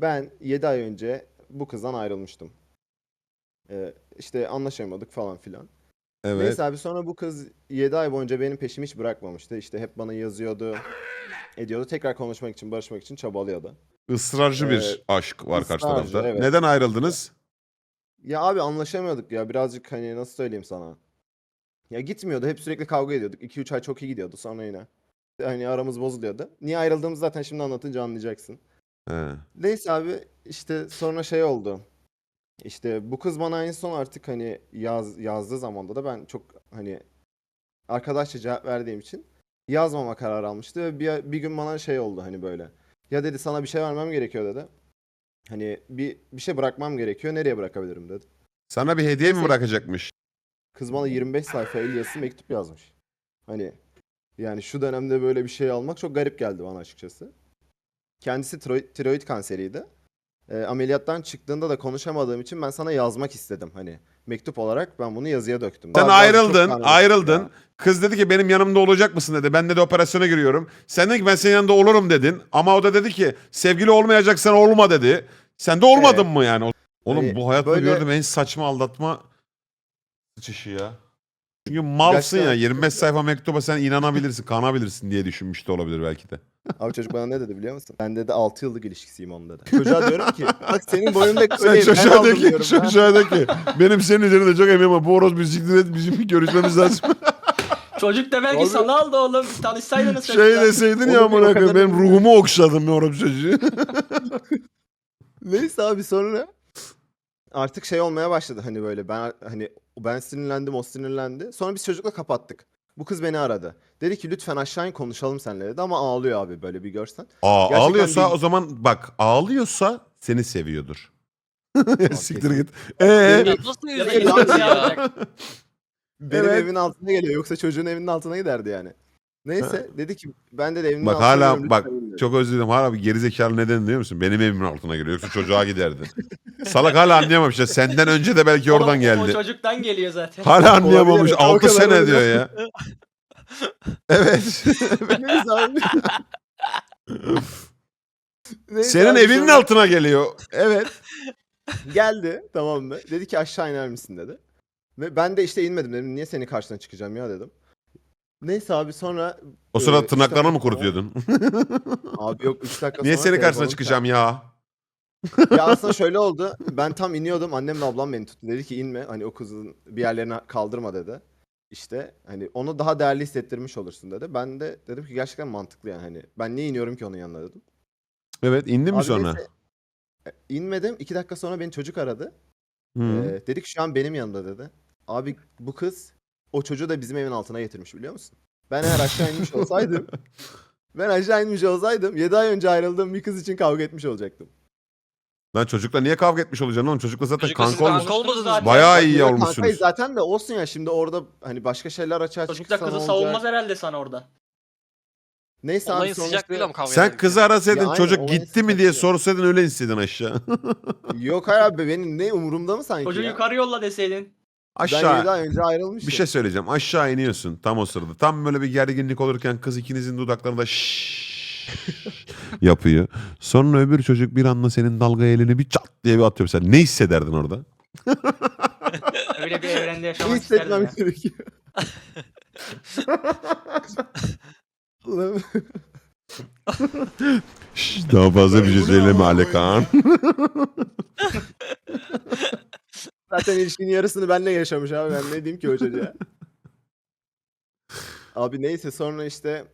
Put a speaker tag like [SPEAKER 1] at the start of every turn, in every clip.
[SPEAKER 1] Ben 7 ay önce bu kızdan ayrılmıştım. İşte anlaşamadık falan filan.
[SPEAKER 2] Evet.
[SPEAKER 1] Neyse abi sonra bu kız 7 ay boyunca benim peşimi hiç bırakmamıştı. İşte hep bana yazıyordu, ediyordu. Tekrar konuşmak için, barışmak için çabalıyordu.
[SPEAKER 2] Israrcı
[SPEAKER 1] Ee,
[SPEAKER 2] bir aşk var karşı
[SPEAKER 1] ısrarcı,
[SPEAKER 2] tarafta.
[SPEAKER 1] evet.
[SPEAKER 2] Neden ayrıldınız?
[SPEAKER 1] Ya abi anlaşamıyorduk ya. Birazcık hani nasıl söyleyeyim sana. Ya gitmiyordu. Hep sürekli kavga ediyorduk. 2-3 ay çok iyi gidiyordu. Sonra yine. Hani aramız bozuluyordu. Niye ayrıldığımızı zaten şimdi anlatınca anlayacaksın.
[SPEAKER 2] He.
[SPEAKER 1] Neyse abi işte sonra şey oldu. İşte bu kız bana en son artık hani yazdığı zamanda da ben çok hani arkadaşça cevap verdiğim için yazmama kararı almıştı ve bir gün bana şey oldu hani böyle. Ya dedi sana bir şey vermem gerekiyor dedi. Hani bir şey bırakmam gerekiyor. Nereye bırakabilirim dedi.
[SPEAKER 2] Sana bir hediye mi
[SPEAKER 1] Neyse
[SPEAKER 2] bırakacakmış?
[SPEAKER 1] kız bana 25 sayfa el yazısı mektup yazmış. Hani yani şu dönemde böyle bir şey almak çok garip geldi bana açıkçası. Kendisi tiroid kanseriydi. Ameliyattan çıktığında da konuşamadığım için ben sana yazmak istedim hani. Mektup olarak ben bunu yazıya döktüm.
[SPEAKER 2] Sen
[SPEAKER 1] Birazcık çok
[SPEAKER 2] ayrıldın,
[SPEAKER 1] karmaşık
[SPEAKER 2] ayrıldın.
[SPEAKER 1] ya.
[SPEAKER 2] Kız dedi ki benim yanımda olacak mısın dedi. Ben de operasyona giriyorum. Sen dedin ki ben senin yanında olurum dedin. Ama o da dedi ki sevgili olmayacaksan olma dedi. Sen de olmadın
[SPEAKER 1] Evet.
[SPEAKER 2] mı yani? Oğlum
[SPEAKER 1] Hani
[SPEAKER 2] bu hayatta
[SPEAKER 1] böyle
[SPEAKER 2] gördüğüm en saçma aldatma sıçışı ya. Çünkü malsın
[SPEAKER 1] gerçekten
[SPEAKER 2] ya.
[SPEAKER 1] açıkçası.
[SPEAKER 2] 25 sayfa mektuba sen inanabilirsin, kanabilirsin diye düşünmüş de olabilir belki de.
[SPEAKER 1] Abi çocuk bana ne dedi biliyor musun? Ben dedi 6 yıllık ilişkisiyim onun dedi. Çocuğa diyorum ki bak senin boyunda
[SPEAKER 2] Sen
[SPEAKER 1] öyleyim ben
[SPEAKER 2] çocuğa de
[SPEAKER 1] aldım
[SPEAKER 2] ki,
[SPEAKER 1] diyorum ya.
[SPEAKER 2] çocuğa de ki benim senin üzerinde çok eminim ama bu horoz bir siktir et bizim bir görüşmemiz lazım.
[SPEAKER 3] Çocuk da belki
[SPEAKER 1] Abi-
[SPEAKER 3] sana aldı oğlum. Tanışsaydınız
[SPEAKER 2] Şey
[SPEAKER 3] çocukla.
[SPEAKER 2] deseydin
[SPEAKER 1] Onu
[SPEAKER 2] ya
[SPEAKER 1] bir
[SPEAKER 2] amına
[SPEAKER 1] o
[SPEAKER 2] koyayım
[SPEAKER 1] kadarını
[SPEAKER 2] benim
[SPEAKER 1] bilmiyorum.
[SPEAKER 2] ruhumu okşadın be horoz çocuğu.
[SPEAKER 1] Neyse abi sonra artık şey olmaya başladı hani böyle ben sinirlendim o sinirlendi. Sonra biz çocukla kapattık. Bu kız beni aradı. Dedi ki lütfen aşağı in konuşalım seninle dedi ama ağlıyor abi böyle bir görsen. Gerçekten
[SPEAKER 2] Ağlıyorsa
[SPEAKER 1] bir
[SPEAKER 2] o zaman bak ağlıyorsa seni seviyordur.
[SPEAKER 1] abi
[SPEAKER 2] Siktir
[SPEAKER 1] kesin.
[SPEAKER 2] git.
[SPEAKER 1] Benim,
[SPEAKER 4] Ya nasıl
[SPEAKER 3] Ya da
[SPEAKER 4] üzüldün
[SPEAKER 3] inanmıyor
[SPEAKER 4] ya?
[SPEAKER 3] ya.
[SPEAKER 1] benim
[SPEAKER 2] Evet.
[SPEAKER 1] evimin altına geliyor yoksa çocuğun evinin altına giderdi yani. Neyse dedi ki ben de evinin
[SPEAKER 2] Bak
[SPEAKER 1] altına geliyorum
[SPEAKER 2] hala bak
[SPEAKER 1] lütfen in dedi.
[SPEAKER 2] çok özür dilerim hala bir gerizekalı neden biliyor musun? Benim evimin altına giriyor yoksa çocuğa giderdi. Salak hala anlayamamış ya senden önce de belki oradan
[SPEAKER 3] Oğlum, o
[SPEAKER 2] geldi.
[SPEAKER 3] çocuktan geliyor zaten.
[SPEAKER 2] Hala anlayamamış
[SPEAKER 1] Olabilir, o
[SPEAKER 2] 6
[SPEAKER 1] kadar
[SPEAKER 2] sene
[SPEAKER 1] öyle.
[SPEAKER 2] diyor ya. Evet.
[SPEAKER 1] Neyse abi. Neyse
[SPEAKER 2] Senin
[SPEAKER 1] abi
[SPEAKER 2] evinin
[SPEAKER 1] sonra
[SPEAKER 2] altına geliyor. Evet.
[SPEAKER 1] geldi tamam mı? Dedi ki aşağı iner misin dedi. Ve ben de işte inmedim dedim. Niye senin karşına çıkacağım ya dedim. Neyse abi sonra
[SPEAKER 2] O sırada
[SPEAKER 1] 3
[SPEAKER 2] tırnaklarını
[SPEAKER 1] dakika
[SPEAKER 2] mı
[SPEAKER 1] sonra
[SPEAKER 2] kurutuyordun?
[SPEAKER 1] abi yok 3 dakika
[SPEAKER 2] Niye
[SPEAKER 1] sonra
[SPEAKER 2] senin karşısına
[SPEAKER 1] telefonum
[SPEAKER 2] çıkacağım
[SPEAKER 1] çaldı.
[SPEAKER 2] ya?
[SPEAKER 1] Ya aslında şöyle oldu. Ben tam iniyordum. Annemle ablam beni tuttu. Dedi ki inme. Hani o kızın bir yerlerine kaldırma dedi. İşte hani onu daha değerli hissettirmiş olursun dedi. Ben de dedim ki gerçekten mantıklı yani hani ben niye iniyorum ki onun yanına dedim.
[SPEAKER 2] Evet indin mi
[SPEAKER 1] Abi
[SPEAKER 2] sonra?
[SPEAKER 1] neyse inmedim. 2 dakika sonra beni çocuk aradı.
[SPEAKER 2] Hı.
[SPEAKER 1] Dedi ki şu an benim yanımda dedi. Abi bu kız o çocuğu da bizim evin altına getirmiş biliyor musun? Ben eğer aşağı inmiş olsaydım ben aşağı inmiş olsaydım 7 ay önce ayrıldığım bir kız için kavga etmiş olacaktım.
[SPEAKER 2] Lan çocukla niye kavga etmiş olacaksın oğlum? Çocukla zaten
[SPEAKER 4] Çocukla siz
[SPEAKER 2] kanka olmuş.
[SPEAKER 4] kanka olmadınız
[SPEAKER 3] Zaten.
[SPEAKER 4] mı?
[SPEAKER 2] Bayağı iyi
[SPEAKER 1] Yine
[SPEAKER 2] olmuşsunuz.
[SPEAKER 1] kankayız zaten de olsun ya şimdi orada hani başka şeyler açığa
[SPEAKER 3] Çocuk
[SPEAKER 1] çıksa
[SPEAKER 3] da
[SPEAKER 1] ne
[SPEAKER 3] kızı
[SPEAKER 1] olacak?
[SPEAKER 3] savunmaz herhalde sana orada.
[SPEAKER 1] Neyse abi
[SPEAKER 4] Olayın
[SPEAKER 1] sonra
[SPEAKER 4] sıcaklığı
[SPEAKER 1] işte
[SPEAKER 4] mı kavga
[SPEAKER 2] Sen
[SPEAKER 4] ederken?
[SPEAKER 2] kızı arasaydın
[SPEAKER 1] Ya aynen,
[SPEAKER 2] çocuk
[SPEAKER 1] olayın
[SPEAKER 2] gitti mi diye
[SPEAKER 1] sıcaklığı.
[SPEAKER 2] sorsaydın öyle inseydin aşağı.
[SPEAKER 1] Yok hayır abi benim ne umurumda mı sanki
[SPEAKER 3] Çocuğu
[SPEAKER 1] ya?
[SPEAKER 3] yukarı yolla deseydin.
[SPEAKER 1] Ben 7
[SPEAKER 2] Aşağı
[SPEAKER 1] ay önce ayrılmışım.
[SPEAKER 2] bir şey söyleyeceğim. Aşağı iniyorsun tam o sırada. Tam böyle bir gerginlik olurken kız ikinizin dudaklarında yapıyor. Sonra öbür çocuk bir anda senin dalga elini bir çat diye bir atıyor. Sen ne hissederdin orada?
[SPEAKER 3] Öyle bir evrende
[SPEAKER 1] Ne
[SPEAKER 3] yaşamak isterdim
[SPEAKER 1] hissetmem
[SPEAKER 3] ya.
[SPEAKER 1] gerekiyor? Ulan,
[SPEAKER 2] Daha fazla bir şey
[SPEAKER 1] Bu ne
[SPEAKER 2] söyleme
[SPEAKER 1] amına
[SPEAKER 2] Ali
[SPEAKER 1] koyayım
[SPEAKER 2] Kaan.
[SPEAKER 1] Zaten ilişkinin yarısını benimle yaşamış abi. Ben ne diyeyim ki o çocuğa? Abi neyse sonra işte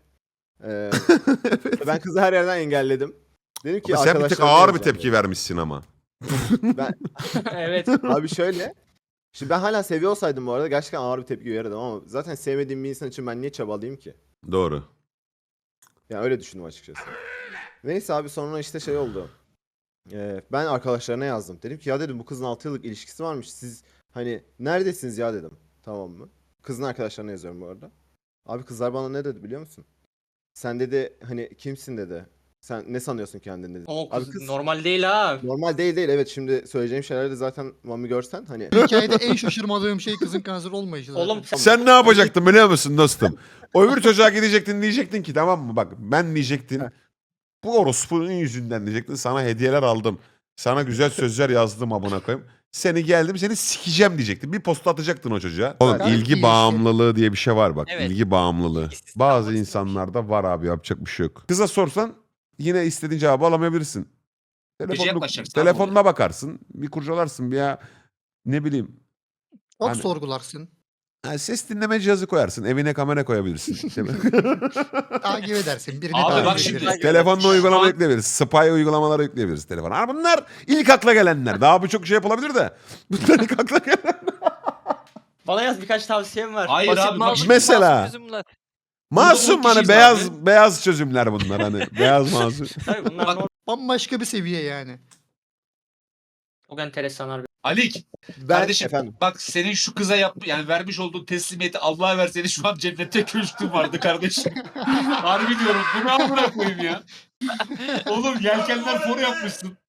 [SPEAKER 1] ben kızı her yerden engelledim. Dedim ki
[SPEAKER 2] Ama sen bir tık
[SPEAKER 1] arkadaşlarına
[SPEAKER 2] ağır bir
[SPEAKER 1] yazacağım
[SPEAKER 2] tepki
[SPEAKER 1] dedim.
[SPEAKER 2] vermişsin ama.
[SPEAKER 1] Ben
[SPEAKER 3] Evet.
[SPEAKER 1] abi şöyle. Şimdi ben hala seviyor olsaydım bu arada gerçekten ağır bir tepki verirdim ama zaten sevmediğim bir insan için ben niye çabalayayım ki?
[SPEAKER 2] Doğru.
[SPEAKER 1] Yani öyle düşündüm açıkçası. Neyse abi sonra işte şey oldu. Ben arkadaşlarına yazdım. Dedim ki ya dedim bu kızın 6 yıllık ilişkisi varmış. Siz hani neredesiniz ya dedim. Tamam mı? Kızın arkadaşlarına yazıyorum bu arada. Abi kızlar bana ne dedi biliyor musun? Sen dedi hani kimsin dedi. Sen ne sanıyorsun kendini dedi.
[SPEAKER 3] O
[SPEAKER 1] Abi
[SPEAKER 3] kız
[SPEAKER 1] kız
[SPEAKER 3] normal değil ha.
[SPEAKER 1] normal değil evet şimdi söyleyeceğim şeyleri de zaten Mami görsen hani
[SPEAKER 5] Hikayede en şaşırmadığım şey kızın kanser olmayışı zaten.
[SPEAKER 3] Oğlum
[SPEAKER 2] Sen ne yapacaktın biliyor musun dostum? O öbür çocuğa gidecektin diyecektin ki tamam mı bak ben diyecektin. Bu orospunun yüzünden diyecektin. Sana hediyeler aldım. Sana güzel sözler yazdım amına koyayım. Seni geldim seni sikeceğim diyecektin. Bir posta atacaktın o çocuğa. Oğlum
[SPEAKER 5] Gayet iyi
[SPEAKER 2] ilgi
[SPEAKER 5] işte.
[SPEAKER 2] bağımlılığı diye bir şey var bak.
[SPEAKER 4] Evet.
[SPEAKER 2] İlgi bağımlılığı.
[SPEAKER 4] İlgisiz
[SPEAKER 2] Bazı
[SPEAKER 4] kalmak
[SPEAKER 2] insanlarda var abi yapacak bir şey yok. Kıza sorsan yine istediğin cevabı alamayabilirsin.
[SPEAKER 6] yaklaşacaksın abi
[SPEAKER 2] Telefonuna bakarsın. Bir kurcalarsın bir ya ne bileyim.
[SPEAKER 5] Çok
[SPEAKER 2] Hani-
[SPEAKER 5] sorgularsın.
[SPEAKER 2] Ha, ses dinleme cihazı koyarsın. Evine kamera koyabilirsin. Değil mi?
[SPEAKER 5] Takip edersin. Birini
[SPEAKER 6] Abi
[SPEAKER 5] takip
[SPEAKER 6] bak
[SPEAKER 5] edersin.
[SPEAKER 6] şimdi.
[SPEAKER 2] Telefonla
[SPEAKER 6] Şu
[SPEAKER 2] uygulama
[SPEAKER 6] an-
[SPEAKER 2] yükleyebiliriz. Spy uygulamaları yükleyebiliriz telefona. Ha, bunlar ilk akla gelenler. Daha birçok şey yapılabilir de. Bunlar ilk akla gelen.
[SPEAKER 3] Bana yaz, birkaç tavsiyem var.
[SPEAKER 6] Hayır
[SPEAKER 4] Basit
[SPEAKER 6] abi bak.
[SPEAKER 4] masum,
[SPEAKER 2] Mesela-
[SPEAKER 4] masum çözümler.
[SPEAKER 2] Masum
[SPEAKER 6] Burada on
[SPEAKER 2] hani
[SPEAKER 6] kişiyiz
[SPEAKER 2] beyaz çözümler bunlar hani. Beyaz masum.
[SPEAKER 3] Tabii bunlar
[SPEAKER 6] Bak-
[SPEAKER 3] normal.
[SPEAKER 5] Bambaşka bir seviye yani.
[SPEAKER 3] Çok enteresan harbi.
[SPEAKER 6] Alik
[SPEAKER 1] Ben
[SPEAKER 6] kardeşim
[SPEAKER 1] efendim.
[SPEAKER 6] bak senin şu kıza yani vermiş olduğun teslimiyeti Allah'a verseni şu an cennette köşkün vardı kardeşim. Harbi diyorum bunu amına koyayım ya. Oğlum yelkenler foru yapmışsın.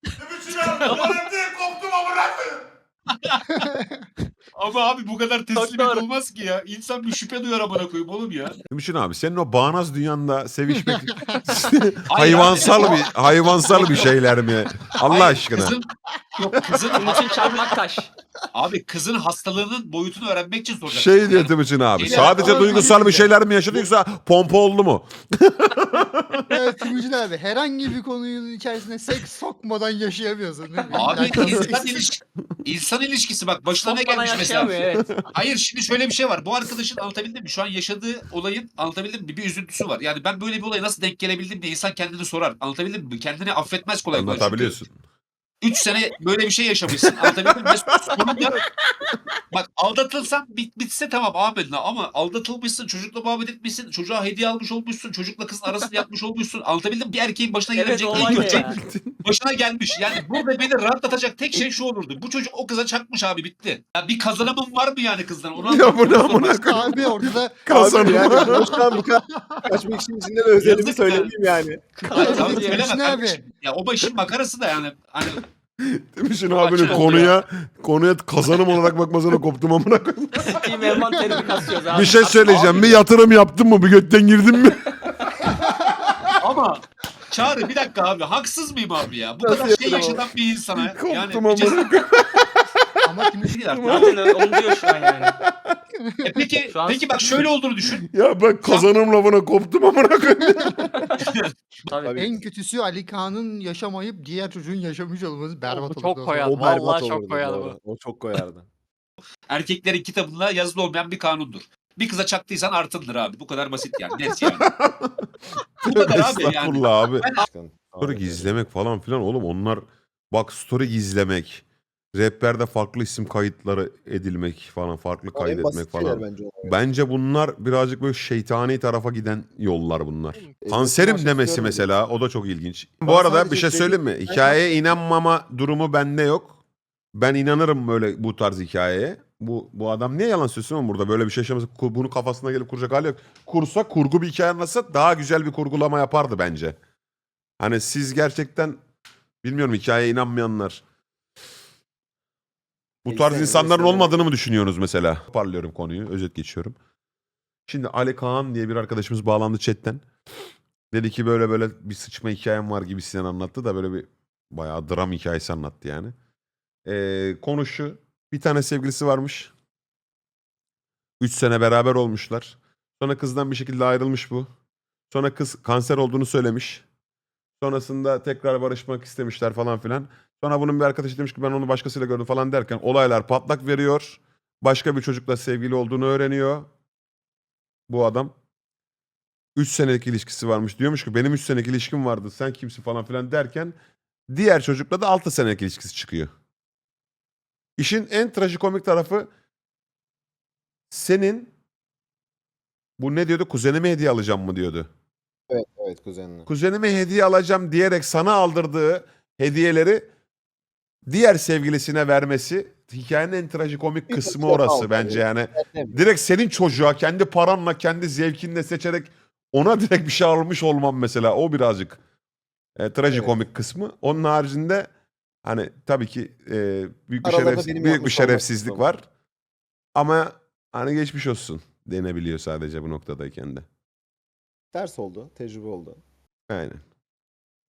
[SPEAKER 6] Ama abi bu kadar teslimiyet
[SPEAKER 3] doğru.
[SPEAKER 6] olmaz ki ya. İnsan bir şüphe duyar amına koyayım oğlum ya.
[SPEAKER 2] Düşün abi senin o bağnaz dünyanda sevişmek
[SPEAKER 6] Hayır abi.
[SPEAKER 2] hayvansal bir şeyler mi? Allah
[SPEAKER 6] Hayır,
[SPEAKER 2] aşkına.
[SPEAKER 6] Kızın
[SPEAKER 3] Bunun için çarpmak taş.
[SPEAKER 6] abi kızın hastalığının boyutunu öğrenmek için soracak.
[SPEAKER 2] Şey diyor Timuçin abi.
[SPEAKER 6] Şeyler-
[SPEAKER 2] Sadece
[SPEAKER 5] Ama
[SPEAKER 2] duygusal bir
[SPEAKER 5] tabii ki de.
[SPEAKER 2] şeyler mi yaşadı yoksa pompa oldu mu?
[SPEAKER 5] Evet Timuçin abi herhangi bir konunun içerisine seks sokmadan yaşayamıyorsun. Değil mi?
[SPEAKER 6] Abi
[SPEAKER 5] İlla ki
[SPEAKER 6] insan ilişkisi bak başına ne
[SPEAKER 3] Sokmadan
[SPEAKER 6] gelmiş mesela.
[SPEAKER 3] yaşayamıyor, evet.
[SPEAKER 6] Hayır şimdi şöyle bir şey var. Bu arkadaşın anlatabildim mi? Şu an yaşadığı olayın anlatabildim mi? Bir üzüntüsü var. Yani ben böyle bir olaya nasıl denk gelebildim diye insan kendini sorar. Anlatabildim mi? Kendini affetmez kolay kolay.
[SPEAKER 2] Anlatabiliyorsun.
[SPEAKER 6] 3 sene böyle bir şey yaşamışsın. Anlatabildim mi? Ve sonunda bak aldatılsan bitse tamam amenna ama aldatılmışsın, çocukla muhabbet etmişsin, çocuğa hediye almış olmuşsun, çocukla kızın arasını yapmış olmuşsun. Anlatabildim mi? Bir erkeğin başına
[SPEAKER 3] Evet,
[SPEAKER 6] gelebilecek
[SPEAKER 3] olay
[SPEAKER 6] ilk
[SPEAKER 3] ne
[SPEAKER 6] şey
[SPEAKER 3] ya?
[SPEAKER 6] başına gelmiş. Yani burada beni rahatlatacak tek şey şu olurdu. Bu çocuk o kıza çakmış abi bitti. Ya bir kazanımın var mı yani kızdan? Onu
[SPEAKER 2] Ya bu ne
[SPEAKER 6] anlatmak
[SPEAKER 2] amına
[SPEAKER 6] zorundasın.
[SPEAKER 2] koyayım?
[SPEAKER 5] Abi ortada
[SPEAKER 2] Kazanım.
[SPEAKER 1] Yani boştan bu kadar kaçmak için içinde de özelimi
[SPEAKER 6] Yazık
[SPEAKER 1] söyleyeyim yani.
[SPEAKER 6] Hayır,
[SPEAKER 5] Abi,
[SPEAKER 6] abi, söyleme
[SPEAKER 5] Timuçin
[SPEAKER 6] kardeşim. Ya o başın makarası da yani. Hani
[SPEAKER 2] Timuçin
[SPEAKER 6] Çok
[SPEAKER 2] abinin
[SPEAKER 6] açık oldu
[SPEAKER 2] konuya kazanım olarak bakmasına koptum amına koyayım.
[SPEAKER 3] Steam envanterini kasıyoruz abi.
[SPEAKER 2] Bir şey söyleyeceğim.
[SPEAKER 6] abi-
[SPEAKER 2] Bir yatırım yaptın mı? Bir götten girdin mi?
[SPEAKER 6] ama Çağrı bir dakika abi haksız mıyım abi ya? Bu
[SPEAKER 1] Nasıl
[SPEAKER 6] kadar şey
[SPEAKER 1] yapıyorum?
[SPEAKER 6] yaşatan bir insana. Yani
[SPEAKER 2] Koptum
[SPEAKER 6] bir cesaret-
[SPEAKER 2] amına koyayım.
[SPEAKER 5] ama Timuçin
[SPEAKER 3] Zaten öyle, onu diyor şu an yani.
[SPEAKER 6] Peki
[SPEAKER 3] Şu an-
[SPEAKER 6] peki bak şöyle olduğunu düşün.
[SPEAKER 2] Ya ben kazanım lafına koptum amına koyayım.
[SPEAKER 3] Tabii.
[SPEAKER 1] Tabii.
[SPEAKER 5] en kötüsü Ali Kağan'ın yaşamayıp diğer çocuğun yaşamış olması berbat olurdu.
[SPEAKER 4] Çok
[SPEAKER 5] o
[SPEAKER 4] koyardı.
[SPEAKER 5] zaman.
[SPEAKER 1] O
[SPEAKER 4] Vallahi
[SPEAKER 1] berbat
[SPEAKER 4] çok
[SPEAKER 1] olurdu
[SPEAKER 4] koyardı
[SPEAKER 1] bu arada. O çok koyardı.
[SPEAKER 6] Erkeklerin kitabında yazılı olmayan bir kanundur. Bir kıza çaktıysan artındır abi. Bu kadar basit yani. Net yani. Bu kadar abi yani.
[SPEAKER 2] Estağfurullah abi.
[SPEAKER 1] Başkan.
[SPEAKER 2] Story gizlemek falan filan oğlum onlar bak story gizlemek. Rehberde farklı isim kayıtları edilmek falan farklı
[SPEAKER 1] O en basit
[SPEAKER 2] kaydetmek
[SPEAKER 1] şeyler
[SPEAKER 2] falan.
[SPEAKER 1] bence.
[SPEAKER 2] Bence bunlar birazcık böyle şeytani tarafa giden yollar bunlar.
[SPEAKER 1] E,
[SPEAKER 2] Kanserim
[SPEAKER 1] başka
[SPEAKER 2] demesi
[SPEAKER 1] istiyorum
[SPEAKER 2] mesela o da çok ilginç.
[SPEAKER 1] Ben
[SPEAKER 2] Bu arada
[SPEAKER 1] sadece
[SPEAKER 2] bir şey söyleyeyim mi? Hikayeye inanmama durumu bende yok. Ben inanırım böyle bu tarz hikayeye. Bu adam niye yalan söylesin oğlum burada böyle bir şey yaşaması bunu kafasına gelip kuracak hali yok. Kursa kurgu bir hikaye anlatsa daha güzel bir kurgulama yapardı bence. Hani siz gerçekten bilmiyorum hikayeye inanmayanlar. Bu tarz
[SPEAKER 1] Neyse,
[SPEAKER 2] insanların
[SPEAKER 1] neyse.
[SPEAKER 2] olmadığını mı düşünüyorsunuz mesela? Parlıyorum konuyu, özet geçiyorum. Şimdi Ali Kaan diye bir arkadaşımız bağlandı chatten. Dedi ki böyle böyle bir sıçma hikayem var gibisinden anlattı da böyle bir bayağı dram hikayesi anlattı yani. Konu şu. Bir tane sevgilisi varmış. 3 sene beraber olmuşlar. Sonra kızdan bir şekilde ayrılmış bu. Sonra kız kanser olduğunu söylemiş. Sonrasında tekrar barışmak istemişler falan filan. Sonra bunun bir arkadaşı demiş ki ben onu başkasıyla gördüm falan derken olaylar patlak veriyor. Başka bir çocukla sevgili olduğunu öğreniyor. Bu adam 3 senelik ilişkisi varmış. Diyormuş ki benim 3 senelik ilişkim vardı sen kimsin falan filan derken diğer çocukla da 6 senelik ilişkisi çıkıyor. İşin en trajikomik tarafı senin bu ne diyordu kuzenime hediye alacağım mı diyordu.
[SPEAKER 1] Evet kuzenine.
[SPEAKER 2] Kuzenime hediye alacağım diyerek sana aldırdığı hediyeleri diğer sevgilisine vermesi hikayenin en trajikomik
[SPEAKER 1] Bir
[SPEAKER 2] kısmı
[SPEAKER 1] tek
[SPEAKER 2] orası
[SPEAKER 1] aldı.
[SPEAKER 2] bence yani.
[SPEAKER 1] Evet.
[SPEAKER 2] Direkt senin çocuğa kendi paranla kendi zevkinle seçerek ona direkt bir şey almış olmam mesela o birazcık trajikomik kısmı. Onun haricinde hani tabii ki büyük bir
[SPEAKER 1] Aralarda benim
[SPEAKER 2] büyük bir
[SPEAKER 1] yapmış
[SPEAKER 2] şerefsizlik
[SPEAKER 1] olmak
[SPEAKER 2] var. Ama hani geçmiş olsun denebiliyor sadece bu noktadayken de.
[SPEAKER 1] Ders oldu. Tecrübe oldu.
[SPEAKER 2] Aynen.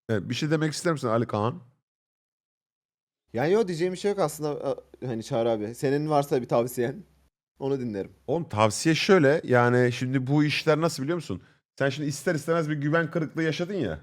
[SPEAKER 2] Evet, bir şey demek ister misin Ali Kaan?
[SPEAKER 1] Yani yok diyeceğim bir şey yok aslında hani Çağrı abi. Senin varsa bir tavsiyen onu dinlerim.
[SPEAKER 2] Oğlum tavsiye şöyle, yani şimdi bu işler nasıl biliyor musun? Sen şimdi ister istemez bir güven kırıklığı yaşadın ya.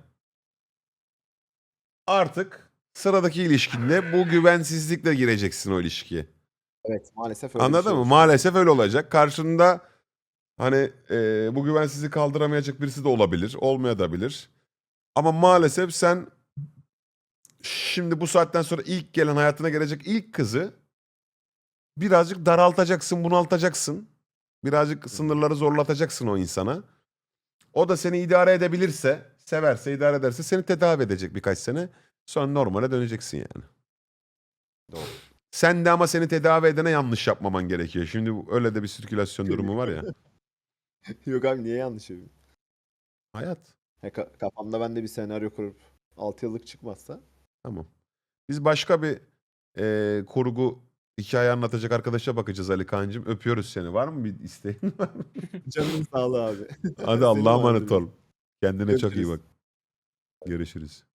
[SPEAKER 2] Artık sıradaki ilişkinde bu güvensizlikle gireceksin o ilişkiye.
[SPEAKER 1] Evet maalesef öyle bir
[SPEAKER 2] Anladın
[SPEAKER 1] şey
[SPEAKER 2] mı?
[SPEAKER 1] olmuş.
[SPEAKER 2] Maalesef öyle olacak. Karşında hani bu güvensizliği kaldıramayacak birisi de olabilir, olmayabilir. Ama maalesef sen şimdi bu saatten sonra ilk gelen, hayatına gelecek ilk kızı birazcık daraltacaksın, bunaltacaksın. Birazcık sınırları zorlatacaksın o insana. O da seni idare edebilirse, severse, idare ederse seni tedavi edecek birkaç sene. Sonra normale döneceksin yani.
[SPEAKER 1] Doğru.
[SPEAKER 2] Sen de ama seni tedavi edene yanlış yapmaman gerekiyor. Şimdi öyle de bir sirkülasyon durumu var ya.
[SPEAKER 1] Yok abi niye yanlış yapayım?
[SPEAKER 2] Hayat.
[SPEAKER 1] Kafamda ben de bir senaryo kurup 6 yıllık çıkmazsa
[SPEAKER 2] Tamam. Biz başka bir kurgu hikaye anlatacak arkadaşa bakacağız Ali Kaan'cığım. Öpüyoruz seni. Var mı bir isteğin?
[SPEAKER 1] canın sağlığı abi.
[SPEAKER 2] Hadi
[SPEAKER 1] Senin
[SPEAKER 2] Allah'a
[SPEAKER 1] vardır
[SPEAKER 2] emanet
[SPEAKER 1] bir-
[SPEAKER 2] ol. Kendine çok iyi
[SPEAKER 1] Görüşürüz.
[SPEAKER 2] bak. Görüşürüz.